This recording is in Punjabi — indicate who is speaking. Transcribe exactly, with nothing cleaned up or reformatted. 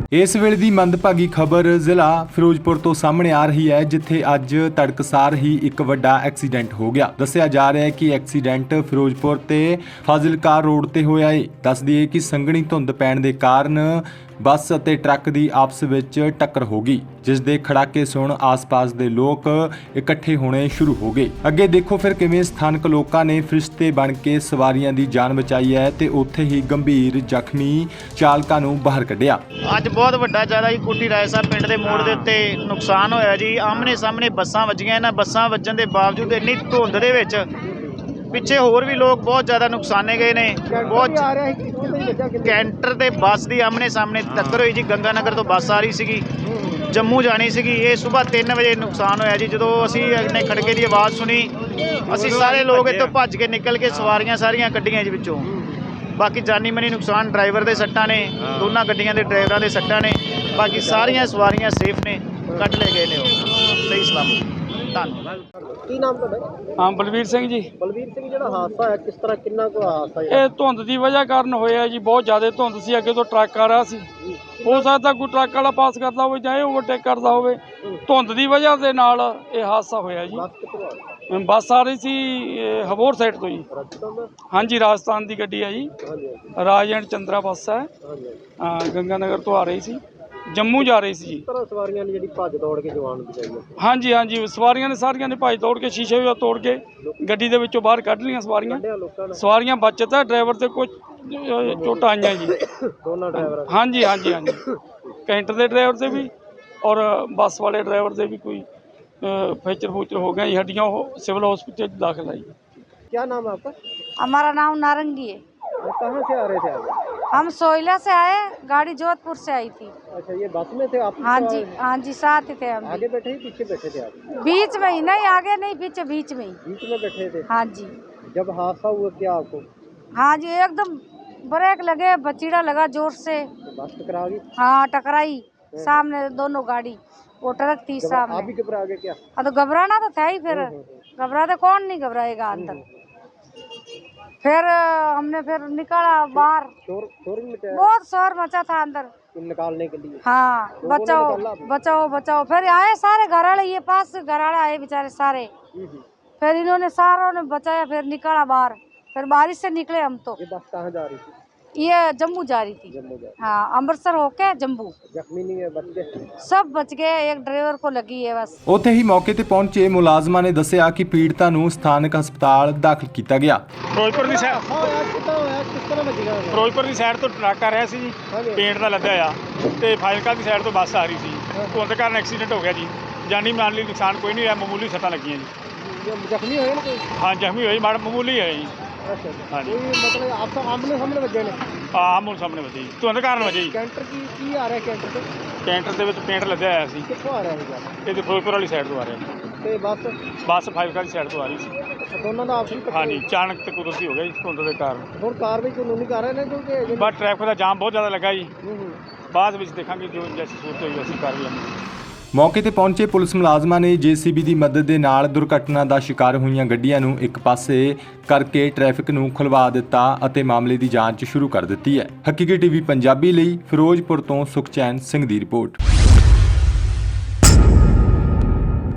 Speaker 1: इस वेले दी मंदभागी खबर जिला फिरोजपुर तो सामने आ रही है, जिथे अज तड़कसार ही एक वड्डा एक्सीडेंट हो गया। दस्सिया जा रहा है कि एक्सीडेंट फिरोजपुर ते फाजिलका रोड ते होया है। दस दईए कि संघनी धुंध पैण दे कारण बस ਅਤੇ ट्रक की आपस ਵਿੱਚ टक्कर हो गई, जिस ਦੇ ਖੜਾਕੇ ਸੁਣ आस-पास ਦੇ ਲੋਕ ਇਕੱਠੇ ਹੋਣੇ शुरू हो गए। ਅੱਗੇ ਦੇਖੋ ਫਿਰ ਕਿਵੇਂ ਸਥਾਨਕ ਲੋਕਾਂ ਨੇ ਫਰਿਸ਼ਤੇ ਬਣ ਕੇ ਸਵਾਰੀਆਂ ਦੀ ਜਾਨ ਬਚਾਈ ਹੈ ਤੇ ਉੱਥੇ ਹੀ ਗੰਭੀਰ ਜ਼ਖਮੀ ਚਾਲਕਾਂ ਨੂੰ ਬਾਹਰ ਕੱਢਿਆ।
Speaker 2: ਅੱਜ ਬਹੁਤ ਵੱਡਾ ਜ਼ਿਆਦਾ ਜੀ ਕੋਟੀ ਰਾਏ ਸਾਹਿਬ ਪਿੰਡ ਦੇ ਮੋੜ ਦੇ ਉੱਤੇ ਨੁਕਸਾਨ ਹੋਇਆ ਜੀ। ਆਮਨੇ ਸਾਹਮਣੇ ਬੱਸਾਂ ਵੱਜੀਆਂ, ਇਹਨਾਂ ਬੱਸਾਂ ਵੱਜਣ ਦੇ ਬਾਵਜੂਦ ਇੰਨੀ ਧੁੰਦ ਦੇ ਵਿੱਚ ਪਿੱਛੇ ਹੋਰ ਵੀ ਲੋਕ ਬਹੁਤ ਜ਼ਿਆਦਾ ਨੁਕਸਾਨੇ ਗਏ ਨੇ। ਬਹੁਤ ਕੈਂਟਰ ਤੇ ਬੱਸ ਦੀ ਆਮਨੇ ਸਾਹਮਣੇ ਟੱਕਰ ਹੋਈ ਜੀ। ਗੰਗਾ ਨਗਰ ਤੋਂ ਬੱਸ ਆ ਰਹੀ ਸੀਗੀ, ਜੰਮੂ ਜਾਣੀ ਸੀਗੀ। ਇਹ ਸਵੇਰ ਤਿੰਨ ਵਜੇ ਨੁਕਸਾਨ ਹੋਇਆ ਜੀ। ਜਦੋਂ ਅਸੀਂ ਨੇ ਖੜਕੇ ਦੀ ਆਵਾਜ਼ ਸੁਣੀ, ਅਸੀਂ ਸਾਰੇ ਲੋਕ ਇੱਥੋਂ ਭੱਜ ਕੇ ਨਿਕਲ ਕੇ ਸਵਾਰੀਆਂ ਸਾਰੀਆਂ ਕੱਢੀਆਂ ਜੀ ਵਿੱਚੋਂ। ਬਾਕੀ ਜਾਨੀ ਮਨੀ ਨੁਕਸਾਨ ਡਰਾਈਵਰ ਦੇ ਸੱਟਾਂ ਨੇ, ਦੋਨਾਂ ਗੱਡੀਆਂ ਦੇ ਡਰਾਈਵਰਾਂ ਦੇ ਸੱਟਾਂ ਨੇ। ਬਾਕੀ ਸਾਰੀਆਂ ਸਵਾਰੀਆਂ ਸੇਫ ਨੇ, ਕੱਢ ਲਏ ਗਏ ਨੇ ਉਹ ਸਹੀ ਸਲਾਮਤ। ਧੰਨਵਾਦ।
Speaker 3: ਕੀ ਨਾਮ ਤੁਹਾਡਾ?
Speaker 4: ਹਾਂ ਬਲਵੀਰ ਸਿੰਘ ਜੀ।
Speaker 3: ਬਲਵੀਰ ਸਿੰਘ, ਜਿਹੜਾ ਹਾਦਸਾ ਹੋਇਆ ਕਿਸ ਤਰ੍ਹਾਂ, ਕਿੰਨਾ ਕੁ ਹਾਦਸਾ ਹੈ?
Speaker 4: ਇਹ ਧੁੰਦ ਦੀ ਵਜ੍ਹਾ ਕਾਰਨ ਹੋਇਆ ਜੀ। ਬਹੁਤ ਜ਼ਿਆਦਾ ਧੁੰਦ ਸੀ, ਅੱਗੇ ਤੋਂ ਟਰੱਕ ਆ ਰਿਹਾ ਸੀ। ਹੋ ਸਕਦਾ ਕੋਈ ਟਰੱਕ ਵਾਲਾ ਪਾਸ ਕਰਦਾ ਹੋਵੇ ਜਾਂ ਇਹ ਓਵਰਟੇਕ ਕਰਦਾ ਹੋਵੇ। ਧੁੰਦ ਦੀ ਵਜ੍ਹਾ ਦੇ ਨਾਲ ਇਹ ਹਾਦਸਾ ਹੋਇਆ ਜੀ। ਬੱਸ ਆ ਰਹੀ ਸੀ ਹਬੋਰ ਸਾਈਡ ਤੋਂ ਜੀ। ਹਾਂਜੀ, ਰਾਜਸਥਾਨ ਦੀ ਗੱਡੀ ਹੈ ਜੀ, ਰਾਜ ਐਂਡ ਚੰਦਰਾ ਬੱਸ ਹੈ। ਹਾਂ, ਗੰਗਾ ਨਗਰ ਤੋਂ ਆ ਰਹੀ ਸੀ, ਜੰਮੂ ਜਾ ਰਹੀ ਸੀ ਜੀ।
Speaker 3: ਸਵਾਰੀਆਂ ਨੇ ਜਿਹੜੀ ਭੱਜ ਦੌੜ ਕੇ ਜਵਾਨ ਬਚਾਈ ਹੈ।
Speaker 4: ਹਾਂਜੀ ਹਾਂਜੀ, ਸਵਾਰੀਆਂ ਨੇ ਸਾਰੀਆਂ ਨੇ ਭੱਜ ਦੌੜ ਕੇ ਸ਼ੀਸ਼ੇ ਵੀ ਤੋੜ ਕੇ ਗੱਡੀ ਦੇ ਵਿੱਚੋਂ ਬਾਹਰ ਕੱਢ ਲਈਆਂ ਸਵਾਰੀਆਂ। ਸਵਾਰੀਆਂ ਬਚਤ ਹੈ, ਡਰਾਈਵਰ ਤੇ ਕੁਝ ਚੋਟਾਂ ਆਈਆਂ ਜੀ
Speaker 3: ਦੋਨਾਂ ਡਰਾਈਵਰਾਂ।
Speaker 4: ਹਾਂਜੀ ਹਾਂਜੀ ਹਾਂਜੀ, ਕੈਂਟਰ ਦੇ ਡਰਾਈਵਰ ਤੇ ਵੀ ਔਰ ਬੱਸ ਵਾਲੇ ਡਰਾਈਵਰ ਦੇ भी कोई फ्रैक्चर फ्रैक्चर हो गए। हड्डियाँ सिविल हॉस्पिटल दाखिल आई।
Speaker 3: क्या नाम है आपका?
Speaker 5: हमारा नाम नारंगी है।
Speaker 3: कहाँ से आ रहे थे आप?
Speaker 5: हम सोयला से आए, गाड़ी जोधपुर से आई थी।
Speaker 3: अच्छा, ये बस में थे आप?
Speaker 5: हाँ जी हाँ जी, साथ ही थे हम।
Speaker 3: आगे बैठे ही पीछे बैठे थे आप?
Speaker 5: बीच में ही, नहीं आगे नहीं, पीछे बीच में ही।
Speaker 3: बीच में बैठे थे?
Speaker 5: हाँ जी।
Speaker 3: जब हादसा हुआ क्या आपको?
Speaker 5: हाँ जी, एकदम ब्रेक लगे, बचीड़ा लगा जोर से।
Speaker 3: बस टकरा गई?
Speaker 5: हाँ, टकराई सामने दोनों गाड़ी, वो ट्रक थी सामने।
Speaker 3: आप भी घबरा गए क्या?
Speaker 5: हाँ, तो घबराना तो था ही, फिर घबराते कौन नहीं घबराएगा अंदर। फिर हमने फिर निकाला बाहर।
Speaker 3: शोर शोर भी मचाया?
Speaker 5: बहुत शोर मचा था अंदर
Speaker 3: निकालने के लिए।
Speaker 5: हाँ, बचाओ बचाओ बचाओ। फिर आए सारे घराड़े, ये पास से घराड़े आए बेचारे सारे। फिर इन्होंने सारों ने बचाया, फिर निकाला बाहर। फिर बारिश से निकले हम। तो
Speaker 3: ये बस कहाँ जा रही थी?
Speaker 5: ये जम्मू जा रही थी।
Speaker 3: जम्मू जा रही।
Speaker 5: हाँ, अमृतसर होके जम्मू।
Speaker 3: जख्मी नहीं है, बच गए?
Speaker 5: सब बच गए, एक ड्राइवर को लगी है बस।
Speaker 1: ਉੱਥੇ ਹੀ ਮੌਕੇ ਤੇ ਪਹੁੰਚੇ ਮੁਲਾਜ਼ਮਾਂ ਨੇ ਦੱਸਿਆ ਕਿ ਪੀੜਤਾਂ ਨੂੰ ਸਥਾਨਕ ਹਸਪਤਾਲ ਦਾਖਲ ਕੀਤਾ ਗਿਆ।
Speaker 4: ਫਿਰੋਜ਼ਪੁਰ ਦੀ ਸਾਈਡ
Speaker 3: किस तरह बच गया?
Speaker 4: ਫਿਰੋਜ਼ਪੁਰ ਦੀ ਸਾਈਡ ਤੋਂ ਟਰੱਕ ਆ ਰਿਹਾ ਸੀ ਜੀ, ਪੇਂਟ ਦਾ ਲੱਦਿਆ ਆ, ਤੇ ਫਾਜ਼ਿਲਕਾ ਦੀ ਸਾਈਡ ਤੋਂ ਬੱਸ ਆ ਰਹੀ ਸੀ। ਧੁੰਦ ਕਾਰਨ ਐਕਸੀਡੈਂਟ ਹੋ ਗਿਆ ਜੀ। ਜਾਨੀ ਮਾਲੀ ਨੁਕਸਾਨ ਕੋਈ ਨਹੀਂ ਹੋਇਆ, ਮਾਮੂਲੀ ਸੱਟਾਂ ਲੱਗੀਆਂ ਜੀ।
Speaker 3: ਜ਼ਖਮੀ ਹੋਏ ਨੇ?
Speaker 4: ਹਾਂ, ਜ਼ਖਮੀ ਹੋਈ, ਮਾੜਾ ਮਾਮੂਲੀ ਹੈ ਜੀ।
Speaker 3: अच्छा,
Speaker 4: ਹਾਂਜੀ,
Speaker 3: मतलब आप तो आमने सामने बचे ने?
Speaker 4: ਆਹ ਮੂਲ ਸਾਹਮਣੇ ਵੱਜੀ ਜੀ, ਧੁੰਦ ਕਾਰਨ ਵੱਜੀ ਜੀ।
Speaker 3: कैंटर की की आ रहा है? कैंटर से
Speaker 4: ਕੈਂਟਰ ਦੇ ਵਿੱਚ ਪੇਂਟ ਲੱਦਿਆ ਹੋਇਆ ਸੀ।
Speaker 3: कितों आ रहा है?
Speaker 4: ਇਹ ਤੇ ਫਿਰੋਜ਼ਪੁਰ ਵਾਲੀ ਸਾਈਡ ਤੋਂ ਆ ਰਿਹਾ।
Speaker 3: ਤੇ ਬੱਸ?
Speaker 4: ਬੱਸ ਫਾਜ਼ਿਲਕਾ ਦੀ ਸਾਈਡ ਤੋਂ ਆ ਰਹੀ ਸੀ।
Speaker 3: ਦੋਨਾਂ ਦਾ ਆਪਸੀ ਟੱਕਰ?
Speaker 4: ਹਾਂਜੀ, ਅਚਾਨਕ ਤੇ ਕੁਦਰਤੀ ਹੋ ਗਿਆ ਜੀ ਧੁੰਦ ਦੇ ਕਾਰਨ।
Speaker 3: ਹੁਣ ਕਾਰਵਾਈ ਕਾਨੂੰਨੀ ਕਰ ਰਹੇ ਨੇ ਕਿਉਂਕਿ
Speaker 4: ਬਸ ਟ੍ਰੈਫਿਕ ਦਾ ਜਾਮ ਬਹੁਤ ਜ਼ਿਆਦਾ ਲੱਗਾ ਜੀ।
Speaker 3: ਹੂੰ ਹੂੰ
Speaker 4: ਬਾਅਦ ਵਿੱਚ ਦੇਖਾਂਗੇ ਜੋ ਜੈਸੀ ਸੂਰਤ ਹੋਈ ਅਸੀਂ ਕਰ ਲਾਂਗੇ।
Speaker 1: ਮੌਕੇ ਤੇ ਪਹੁੰਚੇ ਪੁਲਿਸ ਮੁਲਾਜ਼ਮਾਂ ਨੇ ਜੇਸੀਬੀ ਦੀ ਮਦਦ ਦੇ ਨਾਲ ਦੁਰਘਟਨਾ ਦਾ ਸ਼ਿਕਾਰ ਹੋਈਆਂ ਗੱਡੀਆਂ ਨੂੰ ਇੱਕ ਪਾਸੇ ਕਰਕੇ ਟ੍ਰੈਫਿਕ ਨੂੰ ਖੁਲਵਾ ਦਿੱਤਾ ਅਤੇ ਮਾਮਲੇ ਦੀ ਜਾਂਚ ਸ਼ੁਰੂ ਕਰ ਦਿੱਤੀ ਹੈ। ਹਕੀਕੀ ਟੀਵੀ ਪੰਜਾਬੀ ਲਈ ਫਿਰੋਜ਼ਪੁਰ ਤੋਂ ਸੁਖਚੈਨ ਸਿੰਘ ਦੀ ਰਿਪੋਰਟ।